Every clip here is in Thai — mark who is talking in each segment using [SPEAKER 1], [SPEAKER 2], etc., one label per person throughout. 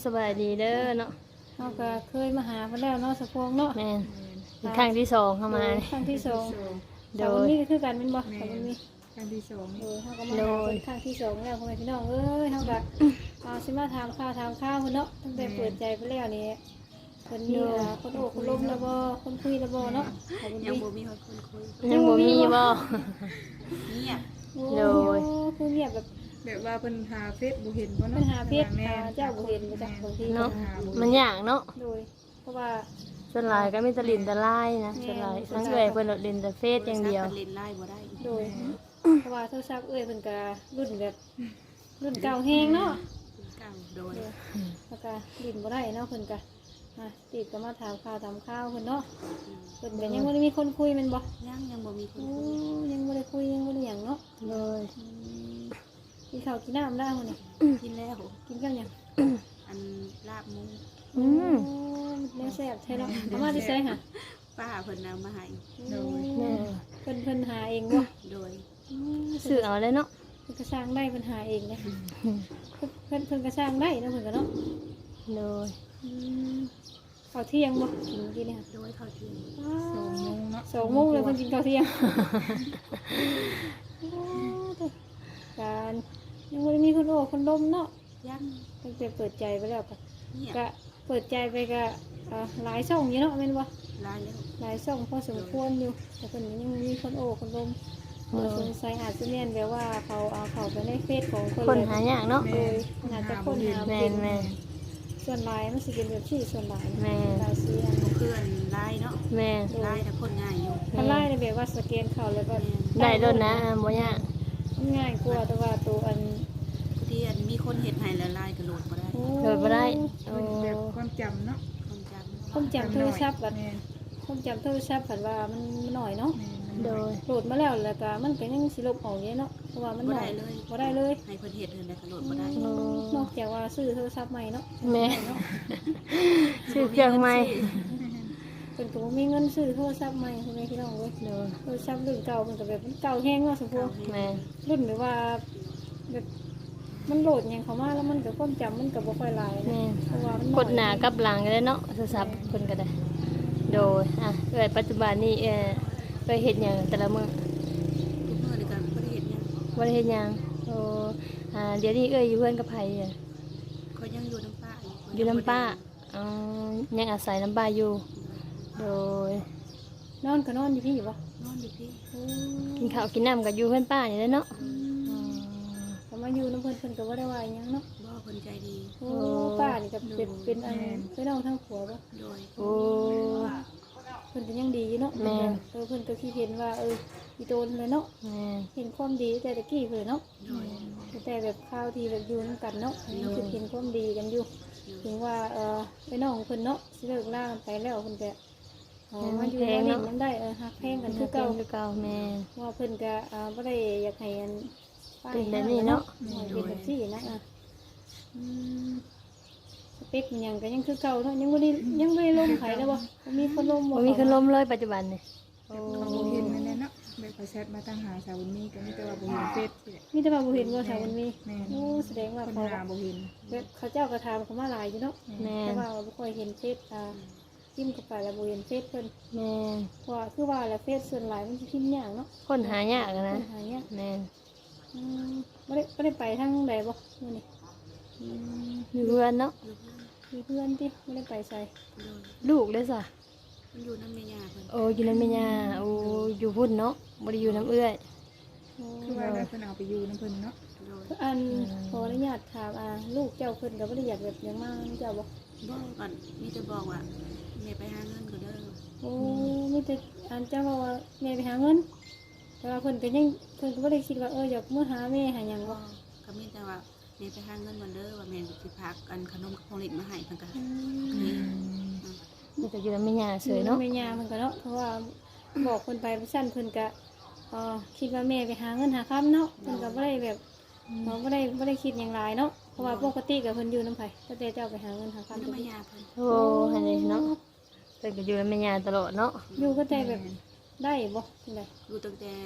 [SPEAKER 1] สบายดีเด้อเนาะ
[SPEAKER 2] เฮาก็เคยมาหาเพิ่นแล้วเนาะสะพวงเนาะ
[SPEAKER 1] แม่นเป็นครั้งที่สองเข้ามานี่
[SPEAKER 2] ครั้งที่สอง
[SPEAKER 1] โด
[SPEAKER 2] สาวย วันนี้ก็คือกันแม่นบ่สาววันนี้
[SPEAKER 3] ครั้งที่สอง
[SPEAKER 2] เฮาก็มาหาเพิ่นครั้งที่สองแล้วพ่อแม่พี่น้องเอ้ยเฮาก็สิมาถามข่าวเพิ่นเนาะตั้งแต่เปิดใจไปแล้วนี่เพิ่นมีคนโอ้คนล้มแล้วบ่คนคุยแล้วบ่เนาะสาววัน
[SPEAKER 3] ยัง
[SPEAKER 2] นี้
[SPEAKER 3] บ่มีคนคุย
[SPEAKER 1] ยังบ่มีบ่
[SPEAKER 3] เงียบ
[SPEAKER 1] โดย
[SPEAKER 2] คือเงียบแบบ
[SPEAKER 3] แบบว่าเพิ่นหาเฟซบ่เห็นบ่
[SPEAKER 2] ปั
[SPEAKER 3] เนาะ
[SPEAKER 2] ญหาเพศเจ้าบ่เห็นบ่จักบางที
[SPEAKER 1] เนาะมันยากเนาะ
[SPEAKER 2] โดยเพราะว่า
[SPEAKER 1] ส่วนหลายก็มีแต่ลิ้นแต่ลายนะส่วนหลายทั้งเอื้อยเพิ่นลิ้นแต่เฟซอย่างเดียว
[SPEAKER 3] เล่นไล่บ่ได้
[SPEAKER 2] โดยเพราะว่าโทรศัพท์เอ้ยเพิ่นก็รุ่นแบบรุ่นเก่าแฮงเนาะ
[SPEAKER 3] เก่าโดย
[SPEAKER 2] แล้วก็ลิ้นบ่ได้เนาะเพิ่นก็ติดก็มาถามข่าวเพิ่นเนาะเพิ่นก็ยังบ่ได้มีคนคุยแม่นบ่
[SPEAKER 3] ยังบ่มีคน
[SPEAKER 2] โอ้
[SPEAKER 3] คุย
[SPEAKER 2] ยังบ่ได้คุยยังบ่ได้หยังเนาะ
[SPEAKER 1] โดย
[SPEAKER 2] กินข้าวกินน้ำได้มื้อนี้
[SPEAKER 3] กินแล้ว
[SPEAKER 2] กินกับหยัง
[SPEAKER 3] อันลาบหมู
[SPEAKER 1] อืม
[SPEAKER 2] แม่แซ่บแท้เนาะเอามาที่ไสหะ
[SPEAKER 3] ป้าเพิ่นเอามาให้
[SPEAKER 2] โดย
[SPEAKER 1] แม่
[SPEAKER 2] เพิ่นหาเองบ่
[SPEAKER 3] โดย
[SPEAKER 1] ซื้อเอาเลยเนาะ
[SPEAKER 2] เพิ่นก็สร้างได้เพิ่นหาเองเลยเพิ่นก็สร้างได้เนาะเพิ่นก็เนาะ
[SPEAKER 1] โดย
[SPEAKER 2] ข้าวเที่ยงบ่กินกินเนี่ย
[SPEAKER 3] โดยเขาที่
[SPEAKER 2] 2 โมงเนาะ2 โมงเลยเพิ่นกินข้าวเที่ยงการยังบ่ได้มีคนโอ้คนล้มเนาะ
[SPEAKER 3] ยัง
[SPEAKER 2] ตั้งแต่เปิดใจไปแล้วก็
[SPEAKER 3] เงียบ
[SPEAKER 2] ก็เปิดใจไปก็หลายช่องอยู่เนาะแม่นบ่
[SPEAKER 3] ลายแล้ว
[SPEAKER 2] หลายช่องพอสมควรอยู่แต่เพิ่นยังมีคนโอ้คนล้มสงสัยอาจจะแม่นแบบว่าเขาเอาเข้าไปในเฟซของคน
[SPEAKER 1] คนหายากเนาะ
[SPEAKER 2] โดยอาจจะคนหา
[SPEAKER 1] แม่
[SPEAKER 2] เป็น
[SPEAKER 1] นแม่น
[SPEAKER 2] ส่วนหลายมันสิเป็นแบบที่ส่วนหลาย
[SPEAKER 1] แม่
[SPEAKER 2] หลายเสียง
[SPEAKER 3] เพื่อนลายเนาะ
[SPEAKER 1] แม่น
[SPEAKER 3] ลายแต่คนง่ายอยู่
[SPEAKER 2] ถ้าไล่ในแบบว่าสแกนเข้าแล้วก็
[SPEAKER 1] ได้โดนนะบ่ยาก
[SPEAKER 2] มันง่ายกว่าแต่ว่าตัวอัน
[SPEAKER 3] ที่อันมีคนเฮ็ดให้แล้วลายก็โหลดบ่ได้
[SPEAKER 1] โดยบ่ได้โอ้
[SPEAKER 3] แบบความจำเนาะความจำ
[SPEAKER 2] ผมจำโทรศัพท์บัดผมจำโทรศัพท์ผันว่ามันหน่อยเนาะ
[SPEAKER 1] โดย
[SPEAKER 2] โหลดมาแล้วแล้วก็มันก็ยังสิลบออกอยู่เนาะเพราะว่ามันหน่อยบ่ได้เลย
[SPEAKER 3] ให้เพิ่นเฮ็ดเพิ่นได้ก็โหลดบ่ได้
[SPEAKER 2] นอกจากว่าซื้อโทรศัพท์ใหม่เนาะ
[SPEAKER 1] แม่
[SPEAKER 2] เนาะ
[SPEAKER 1] ซื้อเครื่องใหม่
[SPEAKER 2] เพิ่นก็บ่มีเงินซื้อโทรศัพท์ใหม่พ่อแม่พี่น้องเว้ย
[SPEAKER 1] โดย
[SPEAKER 2] โทรศัพท์รุ่นเก่ามันก็แบบมันเก่าแฮงเนาะสมพงษ์
[SPEAKER 1] แม่
[SPEAKER 2] รุ่นแบบว่าแบบมันโหลดหยังเข้ามาแล้วมันก็ความจำมันก็บ่ค่อยหลาย
[SPEAKER 1] แม่
[SPEAKER 2] เพราะว่ามัน
[SPEAKER 1] กดหน้ากับหลังก็ได้เนาะโทรศัพท์เพิ่นก็ได้ โดยเอ้ยปัจจุบันนี้ไปเฮ็ดหยังแต่ละมื้อ
[SPEAKER 3] ทุกมื้อนี่ก็บ่ได้เฮ็ดหยัง
[SPEAKER 1] บ่ได้เฮ็ดหยังโอ้เดี๋ยวนี้เอ้ยอยู่เพื่อนกับไผอะ
[SPEAKER 3] เขายังอยู่น้ำป้า
[SPEAKER 1] อยู่น้ำป้าอ๋อยังอาศัยน้ำป้าอยู่ โดย
[SPEAKER 2] นอนก็นอนอยู่พี่อยู่บ่
[SPEAKER 3] นอนอยู่พี่
[SPEAKER 1] กินข้าวกินน้ำกับอยู่เพื่อนป้านี่แหละเนาะ
[SPEAKER 2] ก็มาอยู่น้ำเพิ่นเพิ่นก็บ่ได้ว่าหยังเนาะ
[SPEAKER 3] บ่เพิ่นใจดี
[SPEAKER 2] โอ้ป้านี่ก็เป็นอันเป็นน้องทั้งผัวบ่
[SPEAKER 3] โดย
[SPEAKER 1] โอ้
[SPEAKER 2] เพิ่นก็ยังดีอยู่เนาะ
[SPEAKER 1] แม่
[SPEAKER 2] เพิ่นก็คิดเห็นว่าอีโตนเลยเนาะ
[SPEAKER 1] แม่
[SPEAKER 2] เห็นความดีแต่ตะกี้เพิ่นเนาะ
[SPEAKER 3] โดย
[SPEAKER 2] แต่แบบข้าวที่แบบอยู่นํกันเนาะคือเห็นความดีกันอยู่ถึงว่าไอ้น้องเพิ่นเนาะสิเลิกลากันไปแล้วเพิ่นก็มาอยู่มาเล่นนำได้ฮักแพงกันคือเก่า
[SPEAKER 1] คือเก่าแม่
[SPEAKER 2] ว่าเพิ่นก็บ่ได้อยากให้อันป้า
[SPEAKER 1] เป็นแบบนี้เนาะ
[SPEAKER 2] เป็นแบบนี้นะสเปคมันยังก็ยังคือเก่าเนาะยังไม่ลมไผแล้วบ่มีคนลม
[SPEAKER 1] บ่มีคนล้มเลยปัจจุบันนี่โอ้
[SPEAKER 3] เขาบ่เห็นนั่นแหละเนาะแบบเขาแชทมาตั้งหาสาวบุญมีก็มีแต่ว่าบ่เห็นเฟซ
[SPEAKER 2] มีแต่ว่าบ่เห็นว่าสาวมันมี
[SPEAKER 3] แม่น
[SPEAKER 2] โอ้แสดงว่า
[SPEAKER 3] คน
[SPEAKER 2] เขา
[SPEAKER 3] หาบ่เห็น
[SPEAKER 2] เขาเจ้าก็ถามเขามาหลายอยู่เนาะ
[SPEAKER 1] แม่
[SPEAKER 2] แต่ว่าบ่ค่อยเห็นเฟซจิ้มเข้าไปแล้วบ่เห็นเฟซเพิ่น
[SPEAKER 1] แม่
[SPEAKER 2] ว่าคือว่าแล้วเฟซส่วนหลายมันสิพิมพ์ยากเนาะ
[SPEAKER 1] คนหายากอะนะ
[SPEAKER 2] หายาก
[SPEAKER 1] แม่
[SPEAKER 2] บ่ได้ไปทางใดบ่มื้อนี้
[SPEAKER 1] อยู่เพื่อนเนาะ
[SPEAKER 2] มีเพื่อนติบ่ได้ไปไส
[SPEAKER 3] โดย
[SPEAKER 1] ลูกเด้อซะ
[SPEAKER 3] มันอยู่น้ำแม่ย่าเพิ่น
[SPEAKER 1] โอ้อยู่นำแม่ย่าโอ้อยู่พุ่นเนาะบ่ได้อยู่น้ำเอื้อย
[SPEAKER 3] คือว่าได้เพิ่นเอาไปอยู่น้ำเพิ่นเนาะโดย
[SPEAKER 2] อันขออนุญาตถามลูกเจ้าเพิ่นก็บ่ได้อยากแบบหยังมาเจ้าบ่
[SPEAKER 3] บอกก่อนมีแต่บอกว่าแม่ไปหาเงินก็เด้อ
[SPEAKER 2] โอ้มีแต่อันเจ้าว่าแม่ไปหาเงินแต่ว่าเพิ่นก็ยังเพิ่นก็บ่ได้คิดว่าอยากมื้อหาแม่หาหยังบ่
[SPEAKER 3] ก็มีแต่ว่าแม่ไปหาเงินก่อนเด้อว่าแม่สิพากันขนมของเล่นมาให้เพิ่นก็
[SPEAKER 1] นี่ก็อยู่นำแม่ย่าเฉยเนาะ
[SPEAKER 2] แม่ย่าเพิ่นก็เนาะเพราะว่าบอกเพิ่นไปสั้นเพิ่นก็คิดว่าแม่ไปหาเงินหาค้ำเนาะเพิ่นก็บ่ได้แบบบ่ได้คิดหยังหลายเนาะเพราะว่าปกติก็เพิ่นอยู่นำไผแต่เจ้าไปหาเงินหาค้ำ
[SPEAKER 3] น้ำแม่ย่าเพิ่น
[SPEAKER 1] โอ้ให้เลยเนาะเพิ่นก็อยู่นำแม่ย่าตลอดเนาะ
[SPEAKER 2] อยู่ก็แต่แบบได้บ่จังได๋
[SPEAKER 3] อยู่ตั้งแต่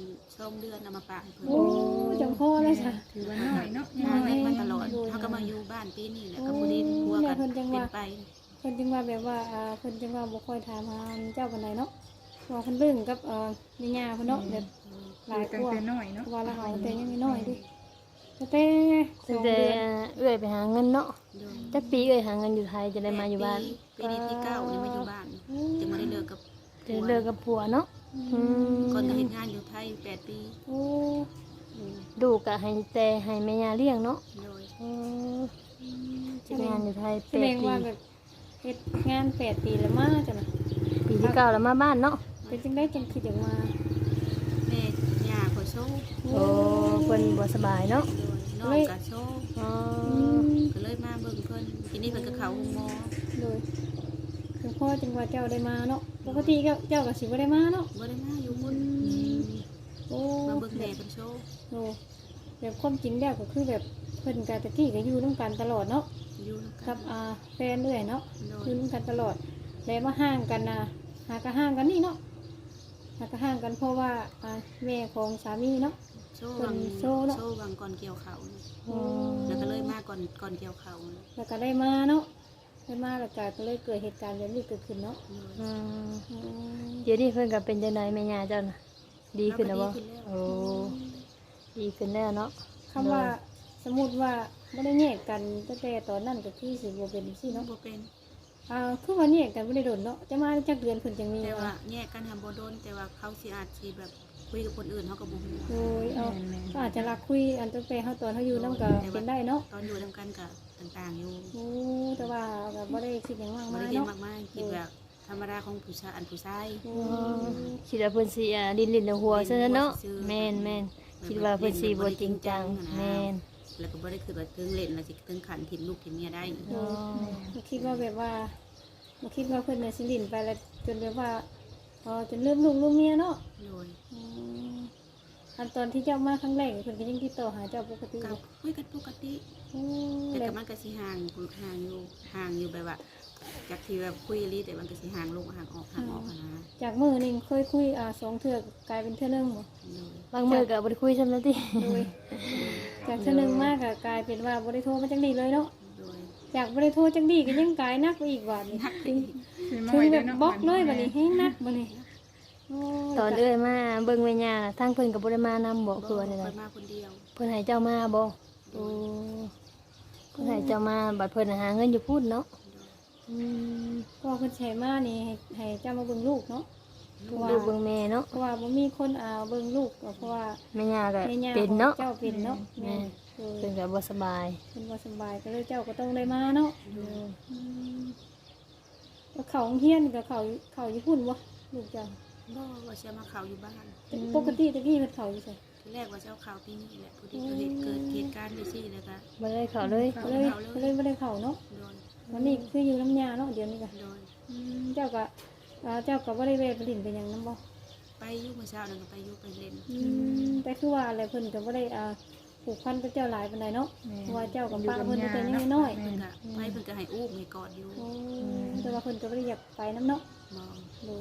[SPEAKER 3] 2 เดือนเอามาฝากให้เพิ่น
[SPEAKER 2] โอ้จังพ่อเลยจ้ะ
[SPEAKER 4] ถือว่าน้อยเนาะ
[SPEAKER 3] หาเงินมาตลอดเขาก็มาอยู่บ้านปีนี้แหละก็บ่ได้พัวกันเป็นไป
[SPEAKER 2] เพิ่นจึงว่าแบบว่าเพิ่นจึงว่าบ่ค่อยถามหาเจ้าปานใดเนาะว่าเพิ่นเรื่องกับแม่ย่าเพิ่นเนาะแบบหลาย
[SPEAKER 4] ตั้
[SPEAKER 2] ก
[SPEAKER 4] ง
[SPEAKER 2] ว่า
[SPEAKER 4] แต่น้อยเนาะ
[SPEAKER 2] ว่าเราเอาแต่ยังน้อยดิแต่ส
[SPEAKER 1] ตั้
[SPEAKER 2] อง ง
[SPEAKER 1] แต่
[SPEAKER 2] เดือน
[SPEAKER 1] เอื้อยไปหาเงินเนาะ
[SPEAKER 3] โดย
[SPEAKER 1] จักปีเอื้อยหาเงินอยู่ไทยจะได้มาอยู่บ้าน
[SPEAKER 3] ปีนี้ที่9นี่มาอยู่บ้านจึงบ่ได้เลิกกับ
[SPEAKER 1] จะเลิกกับผัวเนาะอืม
[SPEAKER 3] ก่อนก็เฮ็ดงานอยู่ไทย8 ปี
[SPEAKER 2] โอ้
[SPEAKER 1] ดูกะให้แต่ให้แม่ย่าเลี้ยงเนาะ
[SPEAKER 3] โดย
[SPEAKER 1] เออเฮ็ดงานอยู่ไทย
[SPEAKER 2] แส
[SPEAKER 1] 8
[SPEAKER 2] ดง
[SPEAKER 1] ปี
[SPEAKER 2] ว่าแบบเฮ็ดงาน8 ปีแล้วมาจ้ะนะ
[SPEAKER 1] ปีที่9แล้วมาบ้านเนาะ
[SPEAKER 2] เป็นจังได้จังคิดอย่างมา
[SPEAKER 3] แม่ย่าก็โชว์
[SPEAKER 1] โอ้เพิ่นบ่สบายเนาะ
[SPEAKER 3] โดยน้องก็โชว์
[SPEAKER 1] อ๋อ
[SPEAKER 3] ก็เลยมาเบิ่งเพิ่นทีนี้เพิ่นก็เข้าโรงหมอ
[SPEAKER 2] โดยคือพ่อจังว่าเจ้าได้มาเนาะปกติเจ้าก็สิบ่ได้มาเนาะ
[SPEAKER 3] บ่ได้มาอยู่พุ่น
[SPEAKER 2] โอ้
[SPEAKER 3] มาเบิ่งแม่เพิ่นโชว์
[SPEAKER 2] โหแบบความจริงแล้วก็คือแบบเพิ่นกะตะกี้ก็อยู่นำกันตลอดเนาะ
[SPEAKER 3] อยู่นำกั
[SPEAKER 2] กัน บแฟนเรื่อยเนาะ
[SPEAKER 3] โด
[SPEAKER 2] อย ยู่นำกันตลอดแล้วมาห่างกันหาก็ห่างกันนี่เนาะหาก็ห่างกันเพราะว่าแม่ของสามีเนาะ
[SPEAKER 3] โชว์วัง
[SPEAKER 2] โชว์เนอะ
[SPEAKER 3] โชว์วังก่อนเกี่ยวข้าวนะ
[SPEAKER 1] อ๋อ
[SPEAKER 3] แล้วก็เลยมาก่อนเกี่ยวข้าวนะ
[SPEAKER 2] แล้วก็ได้มาเนาะได้มาแล้วก็เลยเกิดเหตุการณ์แบบนี้เกิดขึ้นเนาะ
[SPEAKER 3] โดย
[SPEAKER 1] อืม
[SPEAKER 2] อืม
[SPEAKER 1] เดี๋ยวนี้เพิ่นก็เป็นจังไดแม่ย่าเจ้าน่ะดีขึ้นแล้วบ่
[SPEAKER 3] ดีขึ้นแล้ว
[SPEAKER 1] โอ้ดีขึ้นแล้วเนาะ
[SPEAKER 2] คำว่าสมมุติว่าไม่ได้แยกกันตั้งแต่ตอนนั้นก็คือสิบ่เป็นสิเนาะ
[SPEAKER 3] บ่เป็น
[SPEAKER 2] คือว่าแยกกันบ่ได้โดนเนาะจะมาจักเดือนเพิ่นจังมี
[SPEAKER 3] แต่ว่าแยกกันทำบ่โดนแต่ว่าเขาสิอาจสิแบบคุยกับคนอื่นเขาก็บ่ฮู้
[SPEAKER 2] โดยก็อาจจะรักคุยอันตั้งแต่เฮาตอนเฮาอยู่นำก็เป็นได้เนาะ
[SPEAKER 3] ตอนอยู่นํกันก็ต่างๆอยู่
[SPEAKER 2] โอ้แต่ว่าก็บ่ได้คิดหยังมาก
[SPEAKER 3] บ่
[SPEAKER 2] มา
[SPEAKER 3] ได้
[SPEAKER 2] ย
[SPEAKER 3] คิด
[SPEAKER 2] เนาะ
[SPEAKER 3] มากๆคิดแบบธรรมดาของผู้ชายผู้ชาย
[SPEAKER 2] โอ้
[SPEAKER 1] คิดว่าเพิ่นสิลิ้นหัวซะเนาะแม่นคิดว่าเพิ่นสิบ่จริงจังแม่น
[SPEAKER 3] แล้วก็บ่ได้คือว่าถึงเล่นแล้วสิถึงขันถิ่มลูกถิ่มเมียได้
[SPEAKER 1] อ๋อ
[SPEAKER 2] บ่คิดว่าแบบว่าบ่คิดว่าเพิ่นน่ะสิลิ้นไปแล้วจนแบบว่าจนลืมลูกลืมเมียเนาะ
[SPEAKER 3] โดย
[SPEAKER 2] อืมอันตอนที่เจ้ามาครั้งแรกเพิ่นก็ยังติดต่อหาเจ้าปกติอ
[SPEAKER 3] ก็
[SPEAKER 2] ยู่
[SPEAKER 3] คุยกันปกติ
[SPEAKER 2] อืม
[SPEAKER 3] แต่
[SPEAKER 2] แล้ว
[SPEAKER 3] ก็มันก็สิห่างอยู่แบบว่าจากที่แบบคุยอีหลีแต่มันก็สิห่างลงห่างออกอะนะ
[SPEAKER 2] จากมื้อหนึงเคยคุย2เทื่อกลายเป็นเทื่อนึงบ่
[SPEAKER 3] โดย
[SPEAKER 1] บางมื้อก็บ่ได้คุยซ้ำแล้วติ
[SPEAKER 2] โดยจากเทื่อนึงมากก็กลายเป็นว่าบ่ได้โทรมาจังดีเลยเนาะ
[SPEAKER 3] โดย
[SPEAKER 2] จากบ่ได้โทรจังดีก็ยังกลายหนักไปอีกว่านี่
[SPEAKER 3] นัก
[SPEAKER 2] ถึง
[SPEAKER 4] คือน้
[SPEAKER 2] ถึ
[SPEAKER 4] อง ย
[SPEAKER 2] แบ
[SPEAKER 4] เด้
[SPEAKER 2] บ
[SPEAKER 4] เนาะ
[SPEAKER 2] บล็อกเลยบัดนี้ให้หนักบัดนี้โอ้ย
[SPEAKER 1] ตอนเอ้ยมาเบิ่งแม่ย่าทางเพิ่นก็บ่ได้มานำบ่คือว่า
[SPEAKER 3] ค
[SPEAKER 1] ได้
[SPEAKER 3] นมาคนเดียว
[SPEAKER 1] เพิ่นให้เจ้ามาบ่โอ้เพิ่นให้เจ้ามาบัดเพิ่นหาเงินอยู่พูดเนาะอืม
[SPEAKER 2] ก็เพิ่นใช้มานี่ให้เจ้ามาเบิ่งลูกเนาะ
[SPEAKER 1] ดูเบิ่งแม่เนาะ
[SPEAKER 2] เพราะว่าบ่มีคนเบิ่งลูกก็เพราะว่า
[SPEAKER 1] แม่ย่าก็
[SPEAKER 2] แม่ย่า
[SPEAKER 1] เป็นเนาะ
[SPEAKER 2] เจ้าเป็นเนาะ
[SPEAKER 1] แม่
[SPEAKER 2] เออ
[SPEAKER 1] เพิ่นก็บ่สบาย
[SPEAKER 2] เป็นบ่สบายก็เลยเจ้าก็ต้องได้มาเนาะ
[SPEAKER 1] อืม
[SPEAKER 2] อืมแล้วเขาโรงเฮียนกับเขาญี่ปุ่นบ่ลูกเจ้า
[SPEAKER 3] บ่ว่าจะมาข่าวอยู่บ้าน
[SPEAKER 2] ปกติตะกี้เพิ่นเขาอยู่ไส
[SPEAKER 3] ทีแรกว่าจะเอาข่าวปีนี้แหละพอดีเกิดเหตุการณ์ไปซี่แล้วก็
[SPEAKER 1] บ่ได้เข้าเลย
[SPEAKER 2] ก็เลยบ่ได้เข้าเนาะ
[SPEAKER 3] โดน
[SPEAKER 2] วันนี้คืออยู่น้ำยาเนาะเดี๋ยวนี้ก็
[SPEAKER 3] โดน
[SPEAKER 2] เจ้าก็บ่ได้แวะไปลิ้นไปหยังนำบ่
[SPEAKER 3] ไปอยู่เมื่อเช้านั่นก็ไปอยู่ไปเล่น
[SPEAKER 2] แต่คือว่าอะไรเพิ่นก็บ่ได้ผูกพันกับเจ้าหลายปานใดเนาะเพราะว่าเจ้ากับป้าเพิ่นแต่ยังน้อย
[SPEAKER 3] เพิ่นก็ไปเพิ่นก็ให้อุ้มให้กอดอยู่
[SPEAKER 2] ๆโอ้แต่ว่าเพิ่นก็บ่ได้อยากไปนํเนาะ
[SPEAKER 3] มอง
[SPEAKER 2] ดู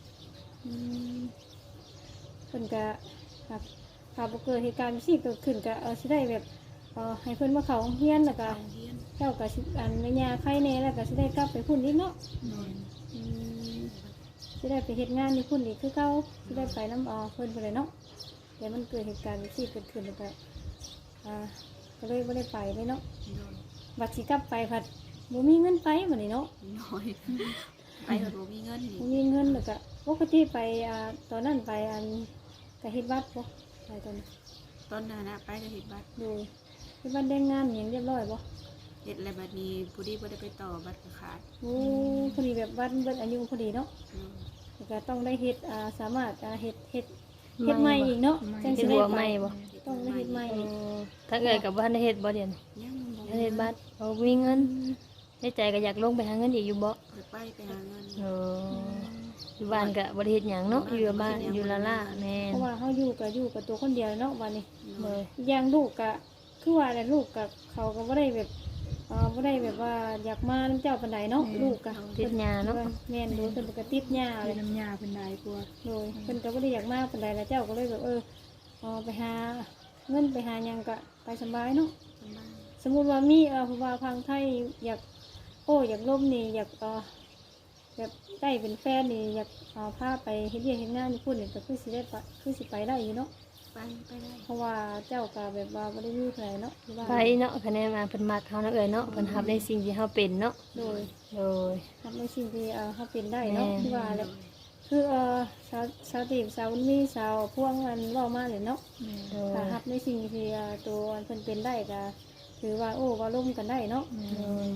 [SPEAKER 2] เพิ่นก็ถ้าบ่เกิดเหตุการณ์สิเกิดขึ้นก็สิได้แบบให้เพิ่นมาเข้าโรงเรียนแล้วก็
[SPEAKER 3] โรงเรียน
[SPEAKER 2] เจ้าก็สิแม่ย่าไข่แน่แล้วก็สิได้กลับไปพุ่นอีกเนาะ
[SPEAKER 3] โดน
[SPEAKER 2] สิได้ไปเฮ็ดงานที่พุ่นอีกคือเก่าสิได้ไปนำเพิ่นไปเลยเนาะแต่มันเกิดเหตุการณ์สิเกิดขึ้นแล้วก็ก็เลยบ่ได้ไปเลยเนาะ
[SPEAKER 3] โดน
[SPEAKER 2] บัดสิกลับไปผัดบ่มีเงินไปบัดนี้เนาะ
[SPEAKER 3] น้อยไปเถอะบ่มีเงินนี่
[SPEAKER 2] บ่มีเงินแล้วก็ปกติไปตอนนั้นไปก็เฮ็ดบัตรบ่ไปตอนนั้น
[SPEAKER 3] ตอนนั้นนะไปก็เฮ็ดบัตร
[SPEAKER 2] ดูที่บ้านได้งานอย่างเรียบร้อยบ่
[SPEAKER 3] เฮ็ดแล้วบัดนี้ผู้ดีบ่ได้ไปต่อบัตรก็ขาด
[SPEAKER 2] โอ้พอดีแบบบ้านเบิดอายุพอดีเนาะ
[SPEAKER 3] โดน
[SPEAKER 2] แล้วก็ต้องได้เฮ็ดสามารถเฮ็ดใหม่อีกเนาะจัง
[SPEAKER 1] เป็
[SPEAKER 2] สิ
[SPEAKER 1] น
[SPEAKER 2] ได้
[SPEAKER 1] หัว
[SPEAKER 2] ไป
[SPEAKER 1] ใหม่บ่
[SPEAKER 2] ต้องได้เฮ็ดใหม่
[SPEAKER 1] เอ
[SPEAKER 2] อีก
[SPEAKER 1] อถ้าเกิดกับบ่ทันได้เฮ็ดบ่เดี๋ยวนี้
[SPEAKER 3] ยังบ่
[SPEAKER 1] ทันเฮ็ดบัตรบ่มีเงินในใจก็อยากลงไปหาเงินอีกอยู่บ่
[SPEAKER 3] ไปหาเงิน
[SPEAKER 1] เอออยู่บ้านก็บ่ได้เฮ็ดหยังเนาะอยู่บ้านอยู่ละล่าแม่น
[SPEAKER 2] เพราะว่าเฮาอยู่กับตัวคนเดียวเนาะวันนี้
[SPEAKER 1] เลย
[SPEAKER 2] อย่างลูกก็คือว่าแหละลูกกับเขาก็บ่ได้แบบบ่ได้แบบว่าอยากมาน้ำเจ้าปานใดเนาะลูกก็
[SPEAKER 1] ติดยาเนาะ
[SPEAKER 2] แม่นดูเพิ่นก็ติดหญ้าเล
[SPEAKER 4] เป็
[SPEAKER 2] ย
[SPEAKER 4] นน้ำยาเป็นได้กลัว
[SPEAKER 2] โดยเพิ่นก็บ่ได้อยากมาปานใดแล้วเจ้าก็เลยแบบไปหาเงินไปหาหยังก็ไปสบายเนาะ
[SPEAKER 3] สบาย
[SPEAKER 2] สมมุติว่ามีผู้ว่าพังไทยอยากอยากล่มนี่อยากแบบได้เป็นแฟนนี่อยากพาไปเฮ็ดเวียกเฮ็ดงานญี่ปุ่นนี่ก็คือสิได้ไปคือสิไปได้อยู่เนาะ
[SPEAKER 3] ไปได้
[SPEAKER 2] เพราะว่าเจ้าก็แบบว่าบ่ได้มีไผเนาะที่ว่า
[SPEAKER 1] ไปเนาะคะแนนมาเพิ่นมักเฮาเนาะเอ้ยเนาะเพิ่นรับในสิ่งที่เฮาเป็นเนาะ
[SPEAKER 2] โดย
[SPEAKER 1] โดย
[SPEAKER 2] ทำในสิ่งที่เขาเป็นได้เนาะ
[SPEAKER 1] แม่
[SPEAKER 2] ที่ว่าแหละคือสาวตีบสาวมีสาวพ่วงมันเว้ามาเลยเนาะ
[SPEAKER 1] โดย
[SPEAKER 2] ถ้ารับในสิ่งที่ตัวเพิ่นเป็นได้ก็ถือว่าว่าร่วมกันได้เนาะ
[SPEAKER 1] โดย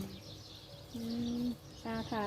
[SPEAKER 2] ค่ะ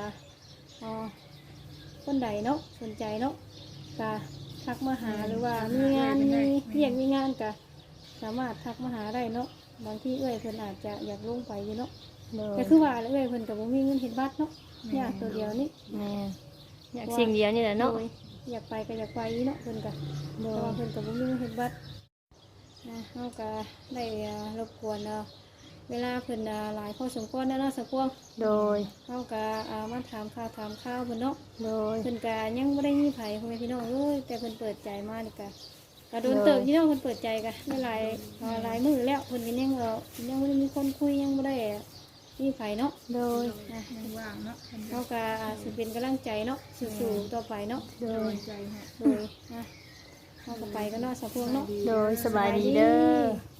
[SPEAKER 2] คนใดเนาะสนใจเนาะก็ทักมาหาหรือว่ามีงานมีเรียกมีงานก็สามารถทักมาหาได้เนาะบางที่เอ้ยเพิ่นอาจจะอยากลงไปอยู่เนาะ
[SPEAKER 1] โดย
[SPEAKER 2] แต่คือว่าเอ้ยเพิ่นก็บ่มีเงินเฮ็ดบัตรเนาะอยากตัวเดียวนี่
[SPEAKER 1] แม่อยากสิ่งเดียวนี่แหละเนาะ
[SPEAKER 2] โดยอยากไปก็อยากไปอยู่เนาะเพิ่นก็
[SPEAKER 1] โด
[SPEAKER 2] แต่
[SPEAKER 1] ย
[SPEAKER 2] ว่าเพิ่นก็บ่มีเงินเฮ็ดบัตรเฮาก็ได้รบกวนเวลาเพิ่นหลายพอสมควรแล้วเนาะสักพวง
[SPEAKER 1] โดย
[SPEAKER 2] เฮาก็มาถามข่าวเพิ่นเนาะ
[SPEAKER 1] โดย
[SPEAKER 2] เพิ่นก็ยังบ่ได้มีไผพ่อแม่พี่น้องเอ้ยแต่เพิ่นเปิดใจมานี่ก็โดนเติบพี่น้องเพิ่นเปิดใจก็ได้หลายมื้อแล้วเพิ่นก็ยังยังบ่ได้มีคนคุยยังบ่ได้มีไผเนาะ
[SPEAKER 1] โดย
[SPEAKER 4] ว่างเนาะ
[SPEAKER 2] เฮาก็สิเป็นกำลังใจเนาะสู้ๆต่อไปเนาะ
[SPEAKER 1] โดย
[SPEAKER 4] ใจฮะ
[SPEAKER 2] โดยเฮาก็ไปกันเนาะสักพวงเนาะ
[SPEAKER 1] โดยสบายดีเด้อ